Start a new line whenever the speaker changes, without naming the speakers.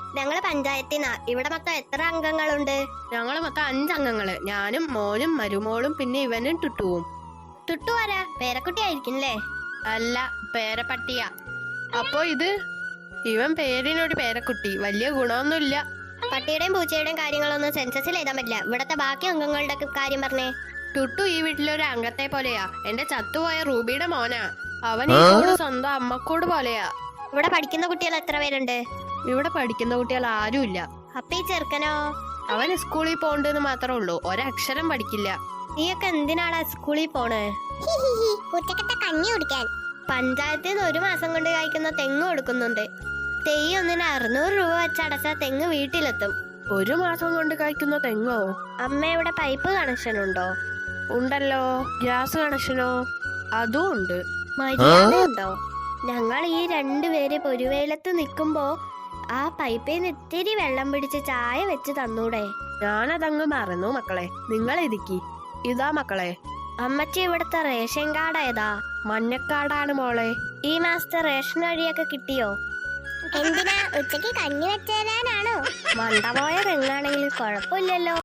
ഞങ്ങള് പഞ്ചായത്തിനാ. ഇവിടെ മൊത്തം എത്ര അംഗങ്ങളുണ്ട്?
ഞങ്ങള് മൊത്തം 5 അംഗങ്ങള്. ഞാനും മോനും മരുമോളും പിന്നെ ഇവനും ടുട്ടുവും.
ടുട്ടു ആരാ? പേരക്കുട്ടി ആയിരിക്കില്ലേ?
അല്ല, പേരപ്പട്ടിയ. അപ്പൊ ഇവൻ പേരിനൊരു പേരക്കുട്ടി, വലിയ ഗുണമൊന്നുമില്ല.
പട്ടിയുടെയും പൂച്ചയുടെയും കാര്യങ്ങളൊന്നും സെൻസസിൽ എഴുതാൻ പറ്റില്ല. ഇവിടത്തെ ബാക്കി അംഗങ്ങളുടെ കാര്യം പറഞ്ഞേ.
ടുട്ടു ഈ വീട്ടിലൊരു അംഗത്തെ പോലെയാ. എന്റെ ചത്തുപോയ റൂബിയുടെ മോനാ. അവൻ ഈ കൂട് സ്വന്തം അമ്മക്കൂട് പോലെയാ.
ഇവിടെ പഠിക്കുന്ന കുട്ടികൾ എത്ര പേരുണ്ട്?
ഇവിടെ പഠിക്കുന്ന കുട്ടികൾ ആരുമില്ല.
അപ്പൊ ഈ ചെറുക്കനോ?
അവൻ സ്കൂളിൽ പോണ്ടെന്ന് മാത്രമേ ഉള്ളൂ, ഒരക്ഷരം പഠിക്കില്ല.
നീയൊക്കെ എന്തിനാടാ സ്കൂളിൽ പോണേ? കഞ്ഞി കുടിക്കാൻ. പഞ്ചായത്തിൽ നിന്ന് 1 മാസം കൊണ്ട് കായ്ക്കുന്ന തെങ്ങ് കൊടുക്കുന്നുണ്ട്. തെയ്യ് ഒന്നിന് 600 രൂപ വെച്ച് അടച്ചാൽ തെങ്ങ് വീട്ടിലെത്തും.
1 മാസം കൊണ്ട് കായ്ക്കുന്ന തെങ്ങോ?
അമ്മയുടെ പൈപ്പ് കണക്ഷൻ ഉണ്ടോ?
ഉണ്ടല്ലോ. ഗ്യാസ് കണക്ഷനോ? അതും ഉണ്ട്.
മര്യാദയുണ്ടോ? ഞങ്ങൾ ഈ 2 പേര് പൊരുവേലത്ത് നിൽക്കുമ്പോ ആ പൈപ്പിൽ നിന്ന് ഇത്തിരി വെള്ളം പിടിച്ച് ചായ വെച്ച് തന്നൂടെ?
ഞാനതങ്ങ് മറന്നു മക്കളെ. നിങ്ങൾ ഇരിക്കി. ഇതാ മക്കളെ.
അമ്മച്ചി, ഇവിടുത്തെ റേഷൻ കാർഡ് ഏതാ?
മഞ്ഞക്കാടാണ് മോളെ.
ഈ മാസത്തെ റേഷൻ അരിയൊക്കെ കിട്ടിയോ? എന്തിനാ, ഉച്ചക്ക് കഞ്ഞി വെച്ച് തരാനാണോ? മണ്ട പോയ തെങ്ങാണെങ്കിൽ കുഴപ്പമില്ലല്ലോ.